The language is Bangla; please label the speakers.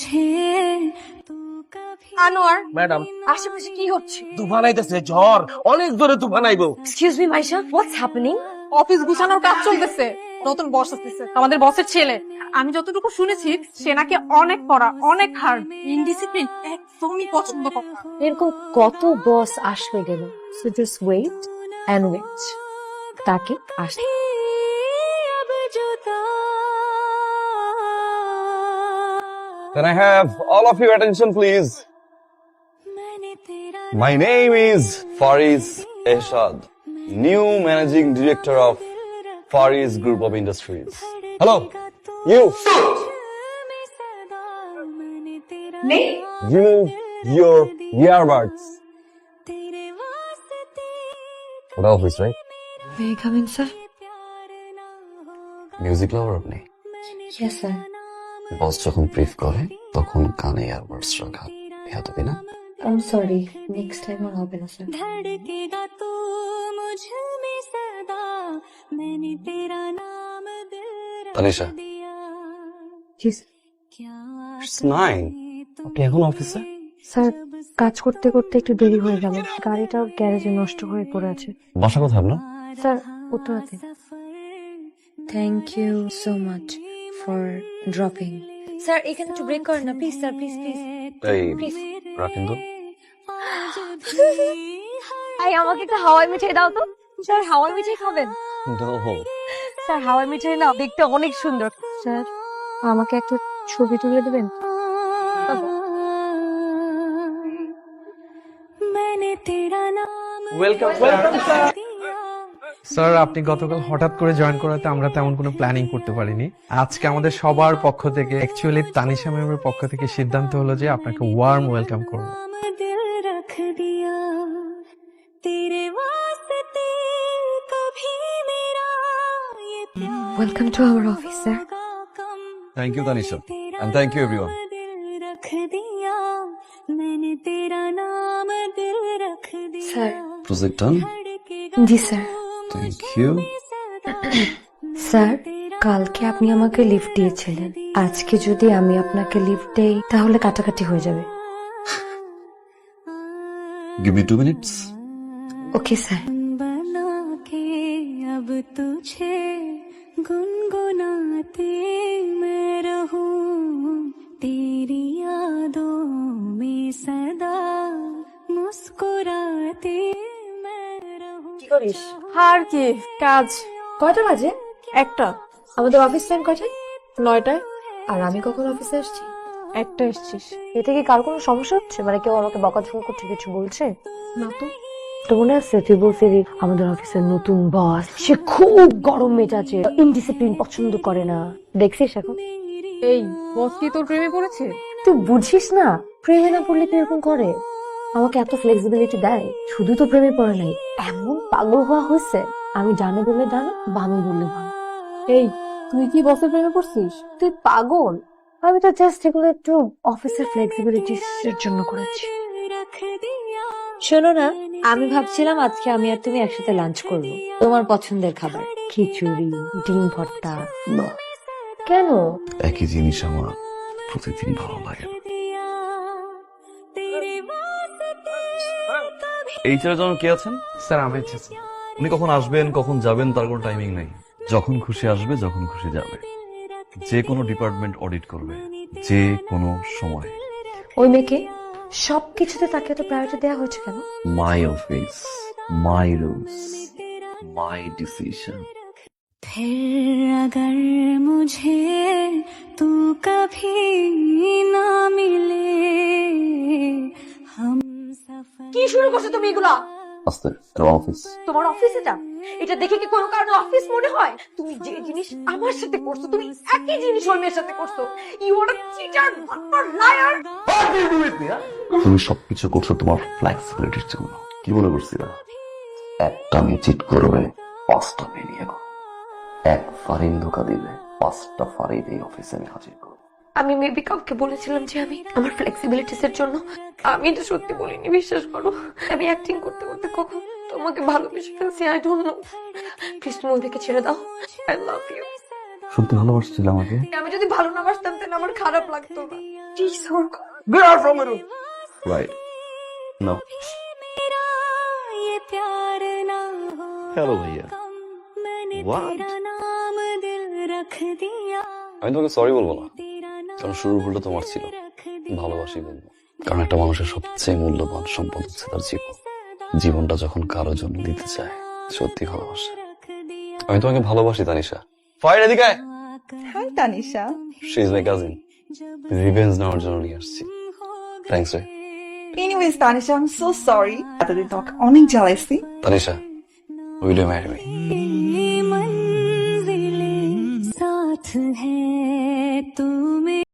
Speaker 1: আনোয়ার,
Speaker 2: ম্যাডাম,
Speaker 1: আশেপাশে কি হচ্ছে?
Speaker 2: তুফান আইতেছে, ঝড়, অনেক জোরে তুফান আইবো।
Speaker 1: Excuse me Maisha, what's happening?
Speaker 3: Office গুছানোর কাজ চলতেছে, নতুন বস আসতেছে, আমাদের বসের ছেলে। আমি যতটুকু শুনেছি সে নাকি অনেক পড়া, অনেক হার্ড, ইনডিসিপ্লিন একদমই পছন্দ করে না।
Speaker 1: এরকম কত বস আসবে গেল, so just wait and wait, তাকে আসতে।
Speaker 4: Can I have all of your attention, please? My name is Fariz Eshad, new managing director of Fariz Group of Industries. Hello, you. Remove your earbuds. What office, right?
Speaker 1: May I come in, sir?
Speaker 4: Music lover আপনি?
Speaker 1: Yes, sir.
Speaker 4: বস যখন ব্রিফ করে তখন কানে ইয়ারবাডস রাখা বেয়াদবি না?
Speaker 1: I'm sorry. Next time আর হবে না, sir.
Speaker 5: धड़केगा तू मुझ में सदा मैंने तेरा नाम दिल रख
Speaker 4: তানিশা,
Speaker 5: दिया
Speaker 1: Yes.
Speaker 5: क्या
Speaker 4: it's 9. আপনি এখন অফিসে?
Speaker 1: স্যার, কাজ করতে করতে একটু দেরি হয়ে গেল, গাড়িটাও গ্যারেজে নষ্ট হয়ে পড়ে আছে।
Speaker 4: বাসা কোথায় আপনার?
Speaker 1: স্যার, উত্তরাতে। Thank you so much for dropping. Sir, এখানে একটু ব্রেক করেন না প্লিজ, স্যার, প্লিজ প্লিজ
Speaker 4: এই
Speaker 1: প্লিজ।
Speaker 4: রাখেন তো।
Speaker 1: এই, আমাকে একটা হাওয়াই মিঠাই দাও তো। স্যার, হাওয়াই মিঠাই খাবেন?
Speaker 4: No.
Speaker 1: স্যার, হাওয়াই মিঠাই না দেখতে অনেক সুন্দর। স্যার, আমাকে একটা ছবি তুলে দেবেন?
Speaker 5: मैंने तेरा नाम
Speaker 2: ওয়েলকাম।
Speaker 6: স্যার, আপনি গতকাল হঠাৎ করে জয়েন করাতে আমরা তেমন কোনো প্ল্যানিং করতে পারিনি। আজকে আমাদের সবার পক্ষ থেকে, অ্যাকচুয়ালি তানিশা ম্যামের পক্ষ থেকে সিদ্ধান্ত হলো যে আপনাকে ওয়ার্ম ওয়েলকাম করব।
Speaker 5: दिल रख दिया तेरे वास्ते कभी मेरा ये प्यार
Speaker 1: welcome to our office, sir.
Speaker 5: कम
Speaker 4: Thank you, Tanisha. And thank you, everyone.
Speaker 5: दिल रख दिया मैंने तेरा नाम दिल रख दिया
Speaker 1: স্যার।
Speaker 4: Project done?
Speaker 1: জি স্যার।
Speaker 4: Thank you.
Speaker 1: স্যার, কালকে আপনি আমাকে লিফট দিয়েছিলেন, আজকে যদি আমি আপনাকে লিফট দেই তাহলে কাটাকাটি হয়ে যাবে।
Speaker 4: Give me 2 minutes.
Speaker 1: Okay sir.
Speaker 5: बना के अब तुझे गुनगुनाते मैं रहूं तेरी यादों में सदा मुस्कुराते मैं रहूं
Speaker 1: কি করিস?
Speaker 3: আর কি কাজ?
Speaker 1: কয়টা বাজে?
Speaker 3: একটা
Speaker 1: আমাদের অফিস টাইম কয়টায়?
Speaker 3: 9টায়।
Speaker 1: আর আমি কখন অফিসে আসছি?
Speaker 3: একটা এসছিস
Speaker 1: এতে কি কার কোনো সমস্যা হচ্ছে? মানে কেউ আমাকে বকাঝকা করছে, কিছু বলছে?
Speaker 3: না তো।
Speaker 1: তো মনে আছে তুই বলছিলি আমাদের অফিসের নতুন বস, সে খুব গরম মেজাজে, ইনডিসিপ্লিন পছন্দ করে না। দেখছিস এখন?
Speaker 3: এই বস কি তোর প্রেমে পড়েছে?
Speaker 1: তুই বুঝিস না, প্রেমে না পড়লে কি এরকম করে? আমাকে এত ফ্লেক্সিবিলিটি দেয়। শুধু তো প্রেমে পড়ে নাই, এমন পাগল হওয়া হয়েছে, আমি ডানে বললে ডানে, বামে বললে বাম।
Speaker 3: এই তুই কি বসের প্রেমে পড়ছিস?
Speaker 1: তুই পাগল? আমি তো জাস্ট এগুলো একটু অফিসের ফ্লেক্সিবিলিটির জন্য করেছি।
Speaker 5: रख दिया
Speaker 1: শোনো না, আমি ভাবছিলাম আজকে আমি আর তুমি একসাথে লাঞ্চ করব, তোমার পছন্দের খাবার, খিচুড়ি, ডিম ভর্তা।
Speaker 4: না,
Speaker 1: কেন?
Speaker 4: একই জিনিস আমার প্রতিদিন ভালো লাগে না।
Speaker 5: दिया तेरे वास्ते कभी
Speaker 4: এই ছেলের জন্য কে আছেন?
Speaker 6: স্যার, আমি এসেছি।
Speaker 4: উনি কখন আসবেন কখন যাবেন তার কোনো টাইমিং নেই। যখন খুশি আসবে, যখন খুশি যাবে। যে কোনো ডিপার্টমেন্ট অডিট করবে, যে কোনো সময়।
Speaker 1: ওই মেয়েকে সবকিছুতে তাকে এত প্রায়োরিটি দেওয়া হয়েছে কেন?
Speaker 4: My office, my rules, my decision.
Speaker 5: फिर अगर मुझे तू कभी ना मिले हम सफर
Speaker 1: কি শুরু করছো তুমি এগুলা?
Speaker 4: আস্তে, অফিস।
Speaker 1: তোমার অফিস এটা? এটা দেখে কি কোনো কারণে অফিস মনে হয়? তুমি যে জিনিস আমার সাথে করছো, তুমি একই জিনিস ওই মেয়ের সাথে করছো। ইউ আর আ চিটার, বাটপার, লায়ার।
Speaker 4: তুমি সবকিছু করছো তোমার ফ্লেক্সিবিলিটির জন্য। কি মনে করছিলা একটা মেয়ে চিট করবে, 5টা মেয়ে নিয়ে করো? এক ফারিন ধোকা দিলে 5টা ফারিন এই অফিসে আমি হাজির করবো।
Speaker 1: আমি মেবি কাউকে বলেছিলাম যে আমি আমার ফ্লেক্সিবিলিটিস এর জন্য, আমি এটা সত্যি বলিনি, বিশ্বাস করো। আমি অ্যাক্টিং করতে করতে কখন তোমাকে ভালোবেসে ফেলছি, আই ডোন্ট নো। প্লিজ তুমি ওদেরকে ছেড়ে দাও, আই লাভ ইউ।
Speaker 4: সত্যি ভালোবাসছিল আমাকে?
Speaker 1: আমি যদি ভালো না বাসতাম তাহলে আমার খারাপ লাগতো না। Please, Orko.
Speaker 2: Get out from my room.
Speaker 4: Right now
Speaker 5: मेरा ये प्यार ना हो
Speaker 4: হ্যালো ভাইয়া
Speaker 5: कम मैंने
Speaker 4: What?
Speaker 5: तेरा नाम दिल रख दिया
Speaker 7: আমি তোমাকে সরি বলবো না,
Speaker 5: तेरा नाम
Speaker 7: কারণ শুরুর ভুলটা তোমার ছিল।
Speaker 5: रख दिया
Speaker 7: ভালোবাসি বলবো, কারণ একটা মানুষের সবচেয়ে মূল্যবান সম্পদ হচ্ছে তার জীবন। জীবনটা যখন কারোর জন্য দিতে চায়, সত্যি ভালোবাসে।
Speaker 5: रख दिया
Speaker 7: আমি তোমাকে ভালোবাসি তানিশা। ফাইল এদিকে আয়।
Speaker 8: Hi Tanisha
Speaker 7: she is my cousin. Revenge নেওয়ার জন্য নিয়ে আসছি। থ্যাঙ্কস রে।
Speaker 8: Anyways Tanisha I am so sorry এতদিন তোমাকে অনেক জ্বালাইছি
Speaker 7: Tanisha, will you marry me?